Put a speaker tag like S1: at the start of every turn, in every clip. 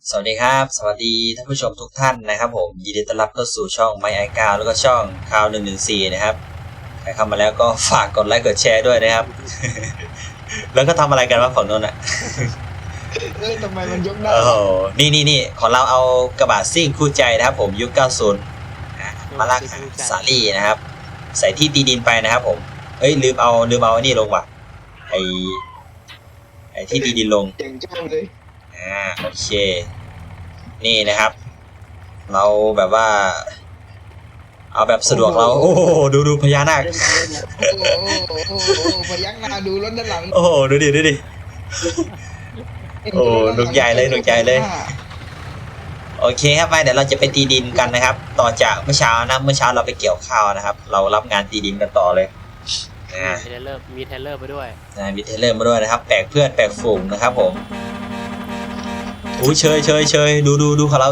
S1: สวัสดีครับสวัสดีท่านผู้ชมทุกท่านนะครับผมยินดีต้อนรับเข้าสู่ช่องไมค์ไอก้าแล้วก็ช่องข่าว114นะครับใครเข้ามาแล้วก็ฝากกดไลค์กดแชร์ด้วยนะครับ แล้วก็ทำอะไรกันวะฝั่งโน้นอ่ะ
S2: ทำไมมันยกได้
S1: โอ้โหนี่ของเราเอากระบะซิ่งคู่ใจนะครับผมยุค 90มาลากหาสาลี่นะครับใส่ที่ตีดินไปนะครับผมเอ้ยลืมเอานี่ลงว่ะไอที่ตีดินลง
S2: เจ๋งจังเลย
S1: โอเคนี่นะครับ เราแบบว่า เอาแบบสะดวกเราโอ้โหดูพญานาค
S2: โอ้พยักหน้าดูรถด้านหลัง
S1: โอ้โหดูดิ โอ้หนุกใหญ่เลย โอเคครับไปเดี๋ยวเราจะไปตีดินกันนะครับ ต่อจากเมื่อเช้าเราไปเกี่ยวข้าวนะครับ เรารับงานตีดินกันต่อเลย
S3: มีเทเลอร์ไปด้วย
S1: มีเทเลอร์มาด้วยนะครับแปลกเพื่อนแปลกฝูงนะครับผมอู้เชยดูของเรา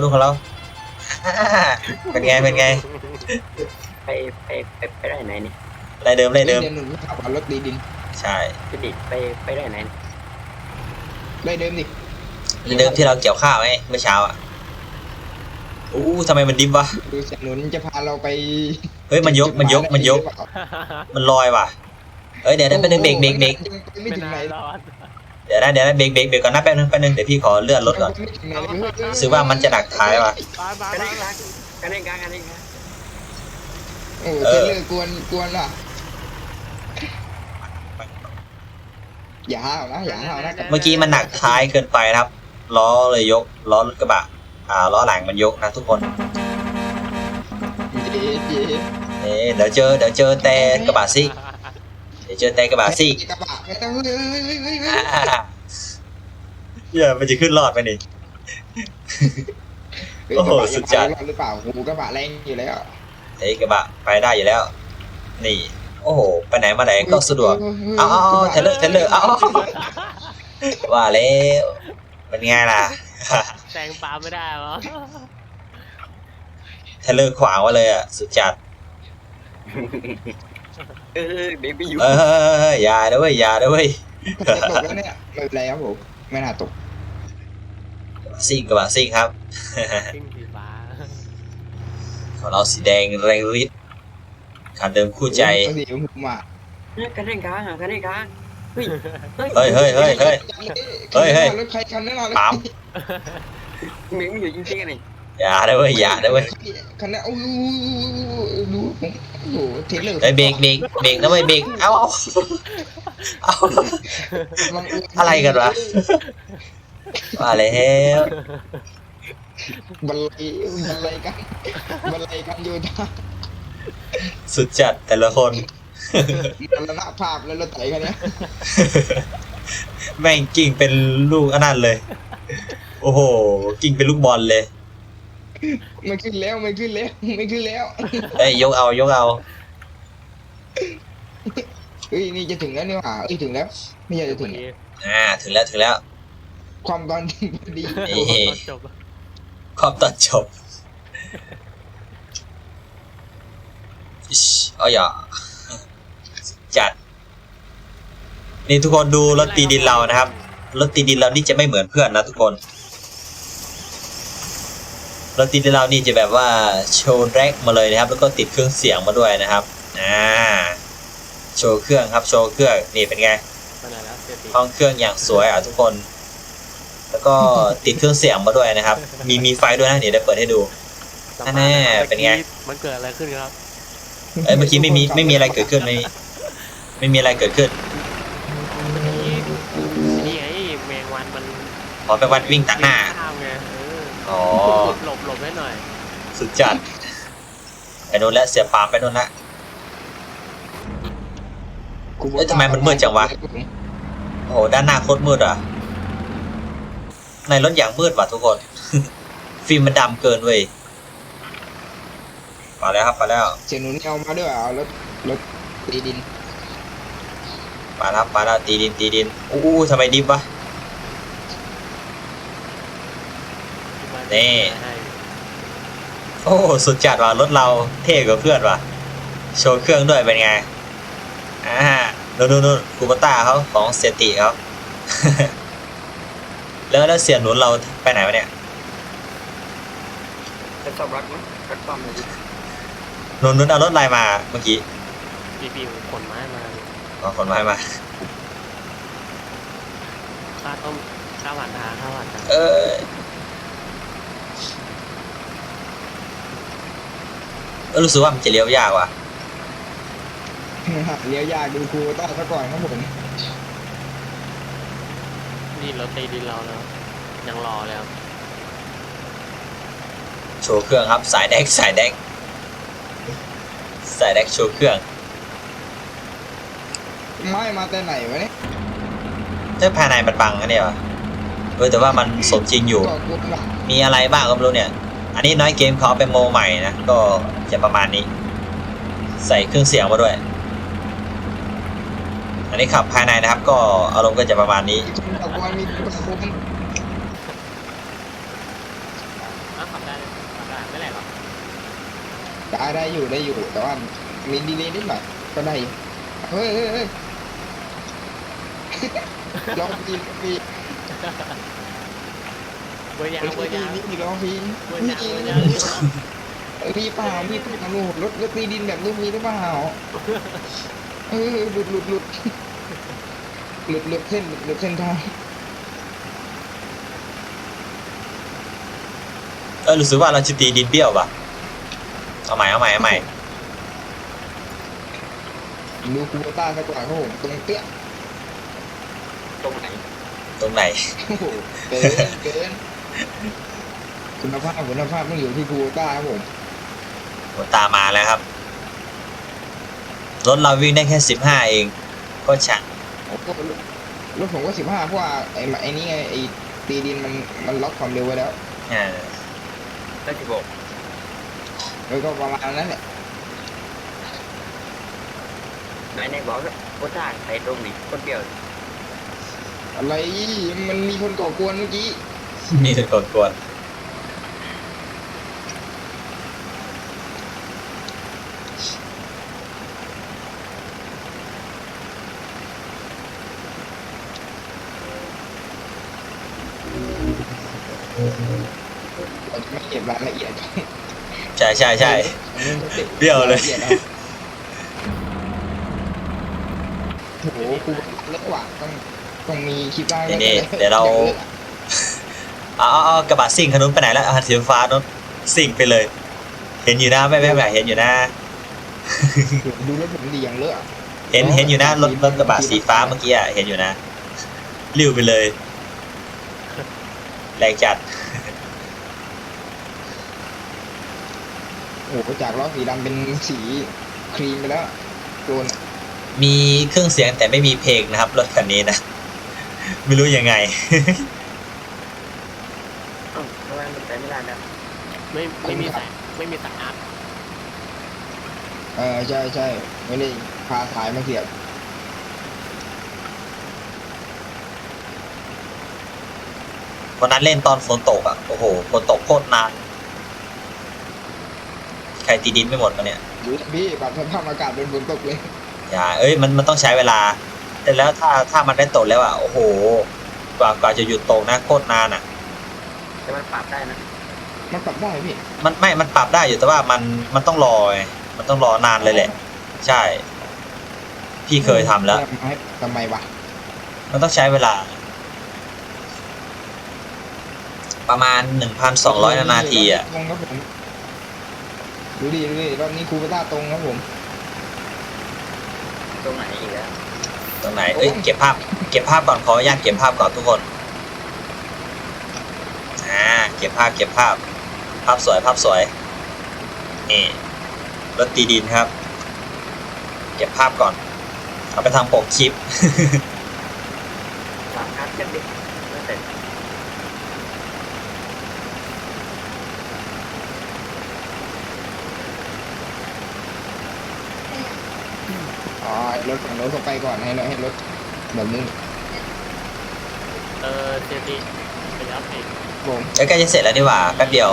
S1: เป็นไง
S4: ไปได้ไหนนี่
S1: ไรเดิม
S2: เดี๋ยวหนูขับรถตีดิน
S1: ใช่
S4: ไปได้ไหน
S2: ได้เดิมดิ
S1: ไรเดิมที่เราเกี่ยวข้าวไงเมื่อเช้าอ่ะอู้ทำไมมันดิบวะ
S2: ดูเสียหนุนจะพาเราไป
S1: เฮ้ยมันยกมันลอยว่ะเอ้ยเดี๋ยวไปนึงเบรก
S2: ไม่ถึงไหน
S1: เดี๋ยวนะเบรกก่อนนะแป๊บนึงเดี๋ยวพี่ขอเลื่อนรถก่อนรู้สึกว่ามันจะหนักท้ายว่ะ
S4: กันเอง
S2: โอ้เทเลอร์กวนว่ะอย่าห้าวนะ
S1: เมื่อกี้มันหนักท้ายเกินไปนะครับล้อเลยยกล้อรถกระบะล้อหลังมันยกนะทุกคนเดี๋ยวเจอแต่กระบะซิ่งเดี๋ยวเจอแต่กระบะซิ่ง
S2: กระบะไม่ต้องเฮ้ย
S1: เหี้ยมันจะขึ้นรอดไปนี่ โอ้โหสุดจัด
S2: หรือเปล่าหูกระบะแรงอยู่แล้ว
S1: ไอ้กระบะไปได้อยู่แล้ว นี่โอ้โหไปไหนมาไหนก็สะดวกเอาเทเลอร์เอาว่าแล้วเป็นไงล่ะ
S3: แซงปาไม่ได้หรอ
S1: เทเลอร์ขวางไว้เลยอ่ะสุดจัด
S4: เด็กไปอยู่
S1: อย่าด้วย
S2: ตกแล้วเนี่ยไม่เป็นไรครับผมไม่น่าตก
S1: กระบะซิ่งครับ
S3: ซิ่งสีฟ้า
S1: ของเราสีแดงแรงฤทธิ์คันเดิมคู่ใจ
S2: สีชมพูอ่ะ
S4: กันเองกลางเฮ้ย
S1: เฮ้ย
S2: รถใครคันนั้นเรา
S1: ปั๊ม
S4: มึงอยู่จริงๆนี่
S1: อย่าด้วย
S2: คันนั้นโอ้ดูผมโอ้โหเทเลอร์
S1: เฮ้ยเบรกนะเว้ยเบรกเอาอะไรกันวะมาแล้ว
S2: บันไลกันอยู่นะ
S1: สุดจัดแต่ละคน
S2: มรณภาพแล้วรถไถคันนี้
S1: แม่งกิ่งเป็นลูกอันนั้นเลย โอ้โหกิ่งเป็นลูกบอลเลย
S2: ไม่ขึ้นแล้ว
S1: เอ้ยยกเอา
S2: เฮ้ยนี่จะถึงแล้วนี่หว่าถึงแล้วไม่อยากจะถึง
S1: ถึงแล้ว
S2: ความตอนดี
S1: นี่ขอบตอนจบเอาอย่าจัดนี่ทุกคนดูรถตีดินเรานะครับรถตีดินเรานี่จะไม่เหมือนเพื่อนนะทุกคนรถตีดินเรานี่จะแบบว่าโชว์แร็กมาเลยนะครับแล้วก็ติดเครื่องเสียงมาด้วยนะครับโชว์เครื่องนี่เป็นไงห้องเครื่องอย่างสวยทุกคนแล้วก็ติดเครื่องเสียงมาด้วยนะครับมีไฟด้วยนะเดี๋ยวเปิดให้ดูแน่เป็นไง
S3: มันเกิดอะไรขึ้นครับ
S1: เมื่อกี้ไม่มีอะไรเกิดขึ้นไม่มีอะไรเกิดขึ้น
S3: นี่ไงแมงวันมัน
S1: เป็นวันวิ่งตัดหน้าอ๋อ
S3: หลบให้หน่อย
S1: สุดจัดไปโน่นแล้วเสียปามไปโน่นละทำไมมันมืดจังวะโอ้ด้านหน้าโคตรมืดอ่ะในรถอย่างมืดว่ะทุกคน ฟิล์มมันดำเกินเว้ยมาแล้วครับ
S2: เสียหนุนเอามาด้วยเอารถตีดิน
S1: มาแล้วตีดินอู้ทำไมดิบวะนี่โอ้สุดจัดว่ะรถเราเท่กว่าเพื่อนว่ะโชว์เครื่องด้วยเป็นไงนู่นคูปต้าเขาของเซติเขา แล้วเสียหนุนเราไปไหนวะเนี่ย
S4: จะสอบรักมั้ยรักปั๊มเลยดิ
S1: นนท์เอารถอะไรมาเมื่อกี้
S3: ปีขนไม้มา
S1: อ๋อขนไม้มา
S3: ข้าวต้มข้าวหวานทาข้าวหวานทา
S1: เออรู้สึกว่ามันจะเลี้ยวยากว่ะ
S2: เลี้ยวยากดูครูต้าซะก่อนครับผม
S3: นี่รถตีดินเราแล้วยังรอแล้ว
S1: โชว์เครื่องครับสายแดกสายแดกสายแดกโชว์เครื่อง
S2: ไม่มาแต่ไหนวะเนี่ย
S1: เจ้าภายในมันบังนะเนี่ยวะแต่ว่ามันสมจริงอยู่
S2: ก่อกวนหลัง
S1: มีอะไรบ้างก็ไม่รู้เนี่ย อันนี้น้อยเกมเขาเอาไปโมใหม่นะ ก็จะประมาณนี้ ใส่เครื่องเสียงมาด้วย อันนี้ขับภายในนะครับ ก็อารมณ์ก็จะประมาณนี้
S2: ก่อกวนมีก่อกวน
S3: ขับได้ไม่แหลกหรอ
S2: ได้อยู่แต่ว่ามีดีเลย์นิดหน่อยก็ได้อยู่เฮ้ยลองพี
S3: เบอร์ยางเบอร์ยาง
S2: นี่ลองพี
S3: เบอร์ยางเบอร์ยาง
S2: พี่เปล่าพี่เปล่ารถตีดินแบบลูกนี้หรือเปล่าหลุดเส้นทาง
S1: รู้สึกว่าเราจะตีดินเบี้ยวป่ะเอาใหม่
S2: ดูคูโบต้าซะก่อนครับผมตรงเปี้ย
S4: ตรงไหน
S1: ตรงไหน
S2: โอ้โหเกินคุณภาพต้องอยู่ที่คูโบต้าครับผม
S1: ผมตามมาแล้วครับ รถเราวิ่งได้แค่15เอง ก็ช่าง
S2: รถผมก็15เพราะว่าไอ้นี่ไงไอ้ตีดินมันล็อกความเร็วไว้แล้ว
S1: อ่า
S4: ได้16
S2: แล้วก็ประมาณนั้นแหละ
S4: ไหนบอกว่าโคตรได้ไอ้ตรงนี้คนเดียว
S2: อะไรมันมีคนก่อกวนเมื่อกี้
S1: นี่คือกวนๆ
S2: เราจะไม่เก็บรายละเอียด
S1: ใช่เบี้ยวเลย
S2: โอ้โหคูเล็กกว่าต้องมีคลิปได้
S1: นี่เดี๋ยวเรา เอากระบะซิ่งขนุนไปไหนแล้วสีฟ้านู้นซิ่งไปเลย เห็นอยู่นะไม่แบบเห็นอยู่นะ
S2: ดูรถผมดีอย่างเลอะ
S1: เห็นอยู่นะรถกระบะสีฟ้าเมื่อกี้เห็นอยู่นะลิ้วไปเลยแรงจัด
S2: โอ้โหจากล้อสีดำเป็นสีครีมไปแล้วโดน
S1: มีเครื่องเสียงแต่ไม่มีเพลงนะครับรถคันนี้นะ ไม่รู้ยังไง
S4: อ้าวทำไมมันไปไม่ได้นะ
S3: ไม่มีสายอาร์ต
S2: ใช่ไม่ได้พาสายมาเสียบ
S1: วันนั้นเล่นตอนฝนตกโอ้โหฝนตกโคตรนานใครตีดินไม่หมดมาเนี่ย
S2: ดูพี่ปรับสภาพอากาศเป็นฝนตกเลย
S1: อย่ามันต้องใช้เวลา แต่แล้วถ้ามันได้ตกแล้วโอ้โหกว่าจะหยุดตกนะโคตรนาน
S4: แต่มันปรับได้นะ
S2: มันปรับได้พี่
S1: มันปรับได้อยู่แต่ว่ามันต้องรอไงมันต้องรอนานเลยแหละ ใช่ พี่เคยทำแล้ว
S2: ทำไมวะ
S1: มันต้องใช้เวลา ประมาณ 1,200 นาที
S2: ตรงครับผมดูดิรอบนี้คูเปต้าตรงครับผม
S4: ตรงไหนอีกแล้ว
S1: ตรงไหนเก็บภาพก่อนขออนุญาตเก็บภาพก่อนทุกคนเก็บภาพสวยนี่รถตีดินครับ เก็บภาพก่อนเอาไปทำปกคลิป
S4: สามคัดกันดิไม่เสร็จ
S2: รถฝั่งโน้นส่งไปก่อนให้รถแบบนี้
S3: เจดีไปแล้วเพลง
S2: ผม
S1: ใกล้จะเสร็จแล้วนี่หว่าแป๊บเดียว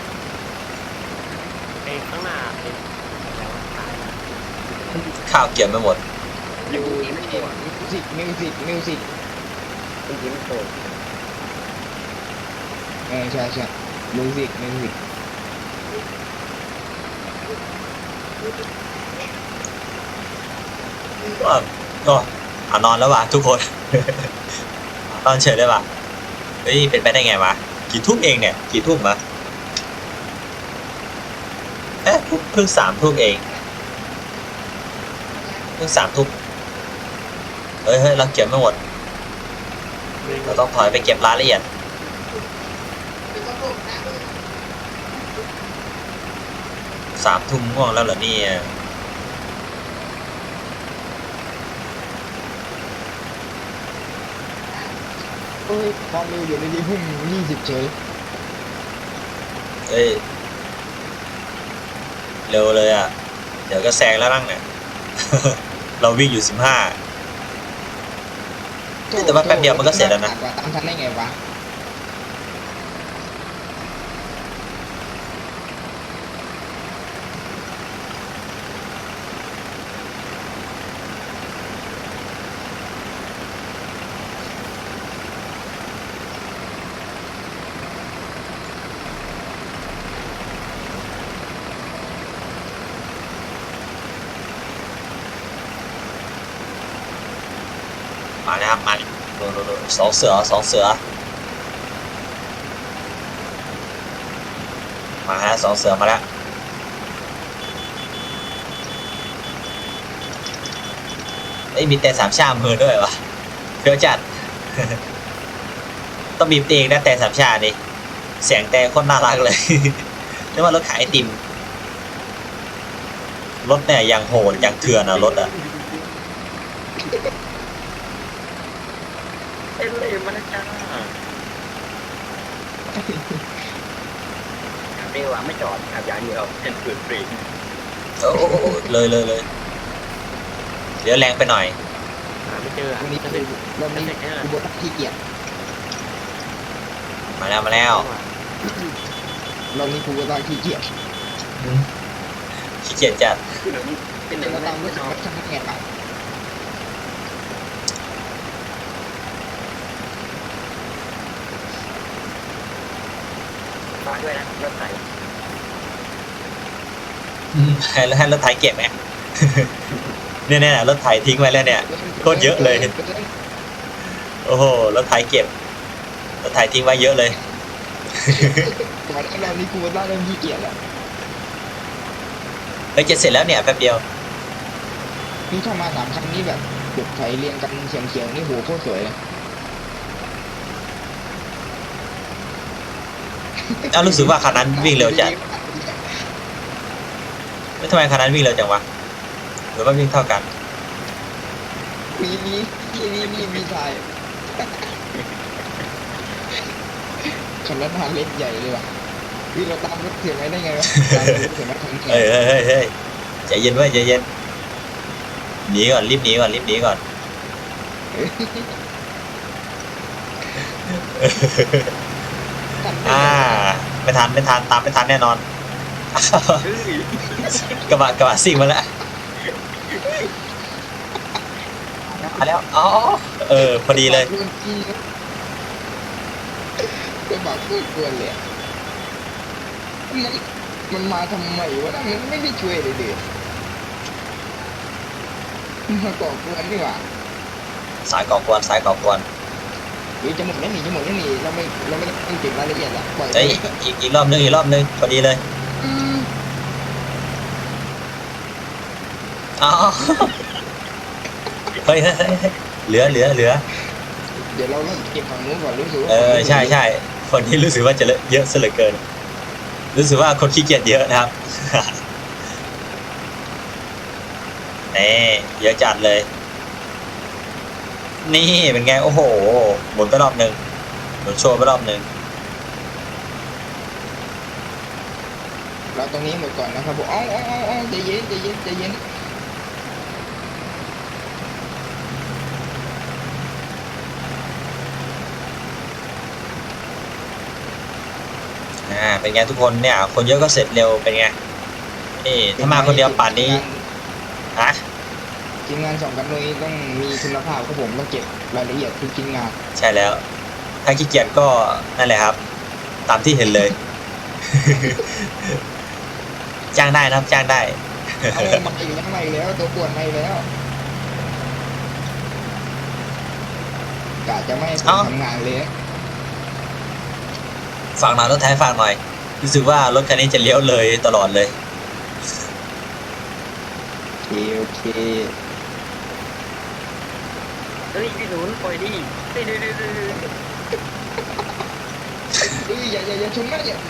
S3: ข้างหน้าเพลงแล้วตาย
S1: ข้าวเกี่ยวไม่หมด
S2: อยู่มิวสิก
S4: จริงๆมันโต
S2: ใช่มิวสิก
S1: ก็นอนแล้วว่ะทุกคน นอนเฉยเลยว่ะเฮ้ยเป็นไปได้ไงวะกี่ทุ่มเองเนี่ยกี่ทุ่มวะเพิ่ง3 ทุ่มเองเพิ่ง3 ทุ่มเฮ้ยเราเก็บไม่หมดเราต้องถอยไปเก็บรายละเอียด3 ทุ่มง่วงแล้วเหรอเนี่ย
S2: เฮ้ยความเร็วอยู่ในที่พุ่ง20เฉย
S1: เอ้ยเร็วเลยอ่ะเดี๋ยวก็แซงแล้วนั่งเนี่ย เราวิ่งอยู่15แต่ว่าแป๊บเดียวมันก็เสร็จแล้วนะ
S2: ตามทันได้ไงวะ
S1: มาแล้วครับมาดูสองเสือมาฮะ2 เสือมาแล้วเอ้ยมีแต่3 ชามือด้วยวะเฟี้ยวจัด ต้องบีบเองนะแต่3 ชานี่เสียงแต่โคตรน่ารักเลย นึกว่ารถขายไอติมรถเนี่ยยังโหดยังเถื่อนอะรถอะ
S4: เอ็นเลยมันจ้าเรียกว่าไม่จอดขับอย่างเดียวเป็นปืนฟรี
S1: โอ้เลยเดี๋ยวแรงไปหน่อย
S3: หาไม่เจอ
S2: วันนี้
S3: จะเป็น
S2: เรามีกูบดขี้เกียจ
S1: มาแล้ว
S2: เรามีกูบดขี้เกียจ
S1: ขี้เกียจจัด
S4: เป็นหนึ่ง
S2: เรา
S4: ใน
S2: ตามรถจักรยานแข่งไป
S4: ฝากด้วยนะรถไถ
S1: ให้รถไถเก็บไหม เนี่ยรถไถทิ้งไว้แล้วเนี่ยโคตรเยอะเลยโอ้โหรถไถเก็บรถไถทิ้งไว้เยอะเลย
S2: ก่อนเรานี่กูบดเริ่มขี้เกียจแล้ว
S1: เฮ้ยจะเสร็จแล้วเนี่ยแป๊บเดียว
S2: นี่เข้ามา3 คันนี้แบบเก็บไถเรียงกันเฉียงๆนี่โหโคตรสวยเลย
S1: เอารู้สึกว่าคันนั้นวิ่งเร็วจัดไม่ทำไมคันนั้นวิ่งเร็วจังวะหรือว่าวิ่งเท่ากัน
S2: มีถ่ายขันรถพาเล็กใหญ่เลยว่ะวิ่งเราตามรถเสียงไว้ได้ไงวะตามรถเสียงไว้ทั้งแข
S1: เฮ้ยใจเย็นไว้ใจเย็นหนีก่อนรีบหนีก่อนไม่ทันตามไม่ทันแน่นอน กระบะซิ่งมาแล้วมาแล้วอ๋อพอดีเลย
S2: กระบะพูดกวนเลยมันมาทำไมวะมันไม่ได้ช่วยเลยดิมาก่อกวนนี่หว่า
S1: สายก่อกวน
S2: หรือจะหมดแล้วหนีเราไม่ต้องเก็บรายละเอียดละปล่อย
S1: เอ้ยอีกรอบนึงพอดีเลยอ๋อเฮ้ยเหลือ
S2: เดี๋ยวเราเก็บฝั่งนู้นก่อนรู้สึกว่า
S1: ใช่คนที่รู้สึกว่าจะเยอะซะเหลือเกินรู้สึกว่าคนขี้เกียจเยอะนะครับ นี่เยอะจัดเลยนี่เป็นไงโอ้โหหมุนไปรอบนึงหมุนโชว์ไปรอบนึง
S2: เราตรงนี้หมดก่อนนะครับผมอ๋อใจเย็น
S1: เป็นไงทุกคนเนี่ยคนเยอะก็เสร็จเร็วเป็นไงนี่ถ้ามาคนเดียวป่านนี้ฮะ
S2: ทีมงาน2 กันเลยต้องมีคุณภาพครับผมต้องเก็บรายละเอียดทุกชิ้นงาน
S1: ใช่แล้วถ้าขี้เกียจก็นั่นแหละครับตามที่เห็นเลยจ้างได้นะครับจ้างได้
S2: เอามาอีกแล้วมาอีกแล้วตัวปวดมาอีกแล้วกะจะไม่ให้ผมทำงานเลย
S1: ฝากหน่อยรถไถฝากหน่อยรู้สึกว่ารถคันนี้จะเลี้ยวเลยตลอดเลย
S2: โอเค
S4: เฮ้ยพี่หนุนปล่อยดิเฮ้ยดู
S2: อย่าชนนะอย่า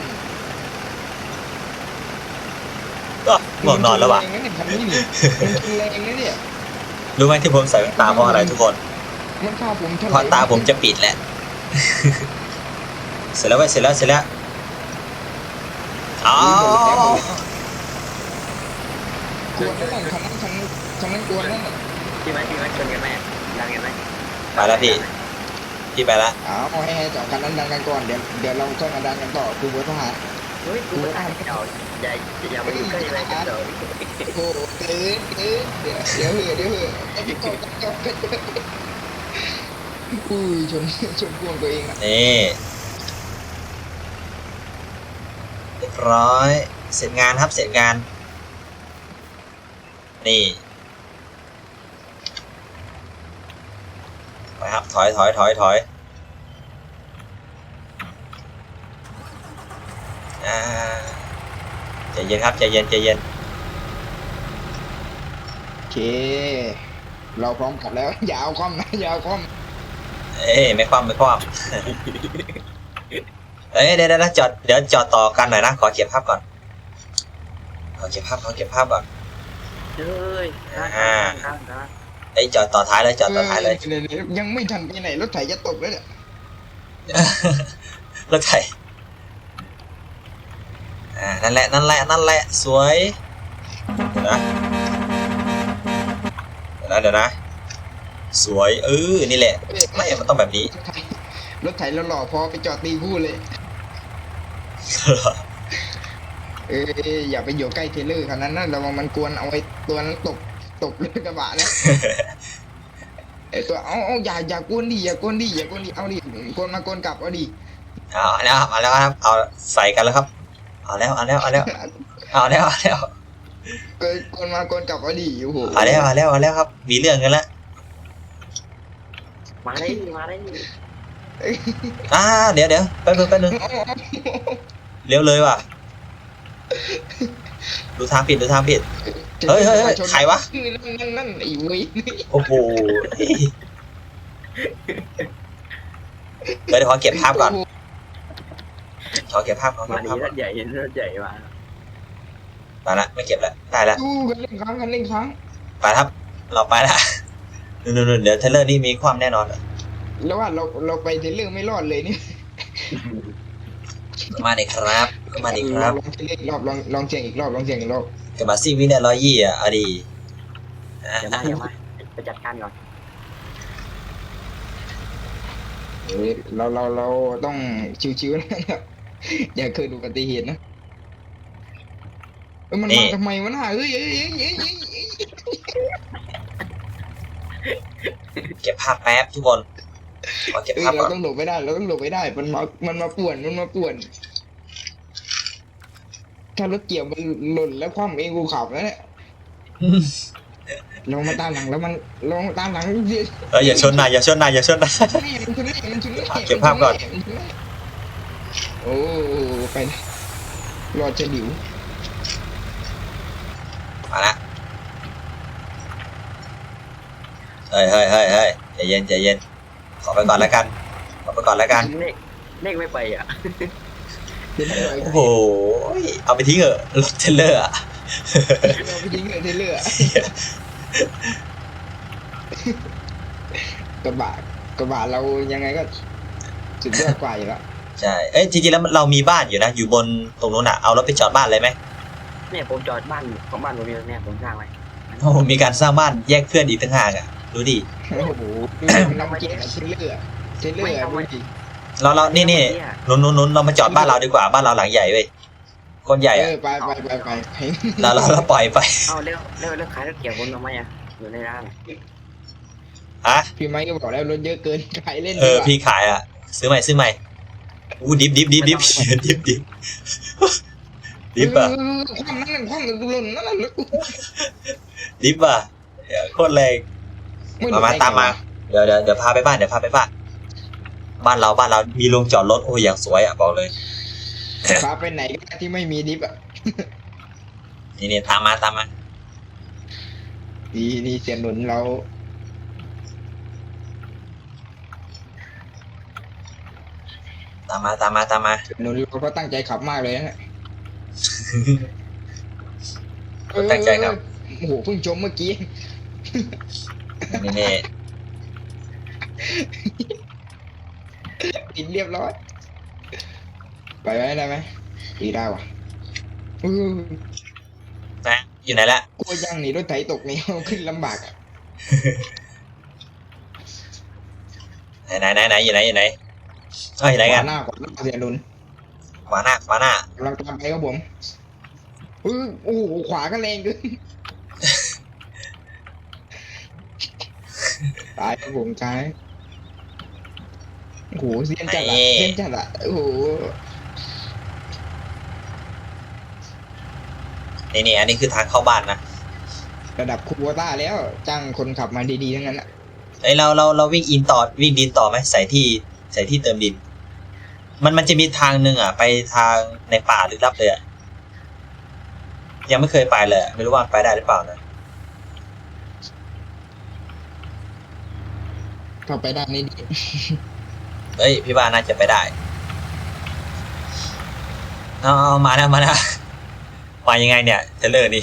S1: ก็ง่วงนอนแล้วว่ะ
S2: แรงนะเนี่ยคันนี้นี่มันแรงนะเนี่ย
S1: รู้ไหมที่ผมใส่แว่นตาเพราะอะไรทุกคน
S2: มันฆ่าผมเท่าไห
S1: เพ
S2: ร่
S1: ราะตาผมจะปิดแหละ เสร็จแล้วเว้ยเสร็จแล้วอ๋อก
S2: วนนั่นคันนั้นกวนนั่น
S4: พี่ไม้ชนกันไหมดังกันไหม
S1: ไปแล้วพี่ไปแล้ว
S2: เอาให้สองคันนั้นดังกันก่อนเดี๋ยวเราค่อยมาดังกันต่อคือวัฒนธรรม
S4: เฮ้ยกูไม่ได้เก่าอย่ามาอยู่ใกล้อะไรกันเถอะ
S2: โอ้โหตื่นเดี๋ยวไอ้พี่กบอุ้ยชนพวงตัวเองอ่ะ
S1: นี่เรียบร้อยเสร็จงานครับเสร็จงานนี่ไปครับถอยใจเย็นครับใจเย็น
S2: โอเค เราพร้อมขับแล้วอย่าเอาคอมนะอย่าเอาคอม
S1: เอ้ยไม่คว่ำเอ้ยเดี๋ยวจอดต่อกันหน่อยนะขอเก็บภาพก่อนขอเก็บภาพก่อน
S4: เฮ้ย
S1: เอ้ยจอดต่อท้ายเลยจอดต่อท้ายเลย
S2: ยังไม่ทันไปไหนรถไถจะตกแล้วเนี่ย
S1: รถไถนั่นแหละสวยเดี๋ยวนะสวยนี่แหละไม่มันต้องแบบนี้
S2: รถไถเราหล่อพอไปจอดตีคู่เลยอย่าไปอยู่ใกล้เทเลอร์คันนั้นนะระวังมันกวนเอาไอ้ตัวนั้นตกเลยกระบะนะไอ้ตัวเอาอย่ากวนดิเอาดิกวนมากวนกลับเอาดิ
S1: เอาแล้วครับเอาใส่กันแล้วครับเอาแล้ว
S2: กวนมากวนกลับเอาดิโอ้โห
S1: เอาแล้วครับมีเรื่องกันแล้ว
S4: มาได้
S1: เดี๋ยวแป๊บนึงเลี้ยวเลยว่ะดูทางผิดเฮ้ยใครวะ
S2: นั่นไอ้เว้ย
S1: โอ้โหเดี๋ยวขอเก็บภาพก่อนขอเก็บภาพ
S4: มาดีรถใหญ่มา
S1: ไปละไม่เก็บละได้ละ
S2: ดูกันเล่นครั้ง
S1: ไปครับเราไปละนู่นเดี๋ยวเทเลอร์นี่มีความแน่นอน
S2: แล้วว่าเราไปเทเลอร์ไม่รอดเลยนี่
S1: มาดิครับลอง
S2: เทเลอร์อีกรอบลองเสียงอีกรอบ
S1: กับมาซี่วินเนี่ย120อ่ะดี
S4: เดี๋ยวมาไปจัดการก่อน
S2: เราต้องชิวๆนะอย่าเคยดูอุบัติเหตุนะมันมาทำไมวะน่ะเฮ้ย
S1: เก็บภาพแป๊บทุกคนขอเก็บภาพ
S2: เรา
S1: ก่อน
S2: ต้องหลบไม่ได้มันมาป่วนถ้ารถเกี่ยวมันหล่นแล้วคว่ำเองกูขับแล้วเนี่ยลงมาตามหลังแล้วมันลงตามหลังเดี๋ยว
S1: อย่าชนนายมันชนนาย
S2: มันชน
S1: เก็บภาพก่อน
S2: โอ้ไปรอจะหลิว
S1: มาละเฮ้ยใจเย็นขอไปก่อนแล้วกัน
S4: เลขไม่ไปอ่ะ
S1: โอ้โหเอาไปทิ้งเหอะรถเทรลเลอร์อ่ะ
S2: เราไปยิงเลยเทเลอร์กระบะเรายังไงก็สุดยอดกว่าอยู่แล้ว
S1: ใช่เอ้ยจริงๆแล้วเรามีบ้านอยู่นะอยู่บนตรงนู้นอ่ะเอารถไปจอดบ้านเลยไหม
S4: เนี่ยผมจอดบ้านของบ้านผมเนี่ยผมสร้างไว้
S1: โอ้มีการสร้างบ้านแยกเพื่อนอีกต่างหากอ่ะดูดิ
S2: โอ้โหเรามาเก่งเทเลอร์ดูดิ
S1: เรานี่นู้นเรามาจอดบ้านเราดีกว่าบ้านเราหลังใหญ่เว้ยคนใหญ่อ่ะ
S2: ไป
S1: เราปล่อยไป
S4: เอาเร็วขายรถเกี่ยวคนทำไมอ่ะอยู่ในร้าน
S1: อ่ะ
S2: พี่ไม้ก็บอกแล้วรถเยอะเกินขายเล่น
S1: พี่ขายอ่ะซื้อใหม่อู้ดิบดิฟอ่ะ
S2: ความนั่นความหล่นนั่นน่ะลึก
S1: ดิฟอ่ะโคตรแรงมาตามมาเดี๋ยวพาไปบ้านบ้านเรามีโรงจอดรถโอ้ยอย่างสวยอ่ะบอกเลย
S2: พาไปไหนก็ได้ที่ไม่มีดิฟอ่ะ
S1: นี่ตามมา
S2: นี่เสียหนุนเรา
S1: ตามมา
S2: เสียหนุนเราก็ตั้งใจขับมากเลยนะ
S1: ตั้งใจครับ
S2: โอ้โหเพิ่งชมเมื่อกี้
S1: นี่
S2: ติดเรียบร้อยไปไว้ได้ไหมดีได้ว่ะ
S1: นะอยู่ไหนละ
S2: กลัวยังหนีรถไถตกนี่ ขึ้นลำบากอ่ะ
S1: ไหนอยู่ไหนอยู่ไหนกัน
S2: ขวาหน้าเสียหนุน
S1: ขวาหน้าก
S2: ำลังตามไปครับผมโอ้โหขวาก็แรงเกินตายครับผมตายโอ้โหเสียนจัดอะโอ้โห
S1: นี่อันนี้คือทางเข้าบ้านนะ
S2: ระดับคูโบต้าแล้วจ้างคนขับมาดีๆทั้งนั้นอะ
S1: เอ้ยเราวิ่งวิ่งดินต่อไหมใส่ที่เติมดิน มันจะมีทางหนึ่งอ่ะไปทางในป่าลึกลับเลยอ่ะยังไม่เคยไปเลยไม่รู้ว่าไปได้หรือเปล่านะ
S2: เข้าไปด้านนี้ดี
S1: เอ้ยพี่ว่าน่าจะไปได้เอามานะมายังไงเนี่ยเทเลอร์นี่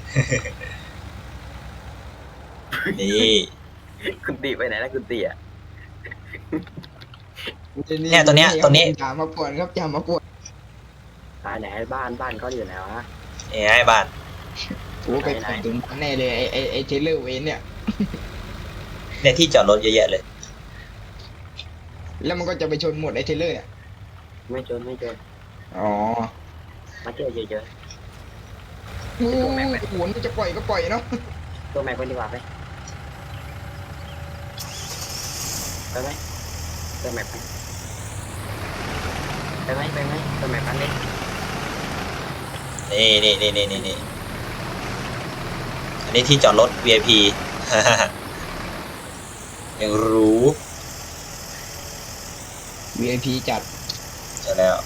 S1: นี่
S4: คุณตีไปไหนแล้วคุณตีอ่ะ
S1: เนี่ยตัวเนี้ย
S2: อย่ามาป่วนครับอย่ามาป่วน
S4: ตายไหนบ้านเขาอยู่ไหนวะ
S1: นี่ไอ้บ้าน
S2: โอ้ไปถึงแน่เลยไอ้เทเลอร์เวนเนี่ย
S1: เนี่ยที่จอดรถเยอะแยะเลย
S2: แล้วมันก็จะไปชนหมดไอ้เทเลอร์เนี่ย
S4: ไม่เจอ
S2: อ๋อ
S4: มาเจอเยอะ
S2: โอ้โหมันจะปล่อยก็ปล่อยเนาะ
S4: ๆตัวแม็กไปดีกว่าไปไหมตัวแม็กไปไหมตัวแม็กไปเลย
S1: นี่อันนี้ที่จอดรถ VIP ยังรู้
S2: VIP จัด
S1: ใช่แล้ว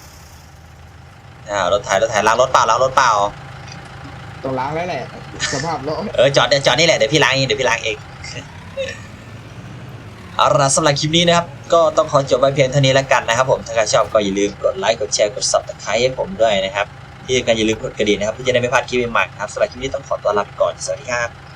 S1: รถไถล้างรถเปล่า
S2: ต้องล้างแล้วแหละสภาพรถ
S1: จอดนี่แหละเดี๋ยวพี่ล้างเอง เอาล่ะสำหรับคลิปนี้นะครับก็ต้องขอจบไว้เพียงเท่านี้แล้วกันนะครับผมถ้าใครชอบก็อย่าลืมกดไลค์กดแชร์กด Subscribe ให้ผมด้วยนะครับที่สำคัญอย่าลืมกดกระดิ่งนะครับเพื่อจะได้ไม่พลาดคลิปใหม่ๆครับสำหรับคลิปนี้ต้องขอตัวลาไปก่อนสวัสดีครับ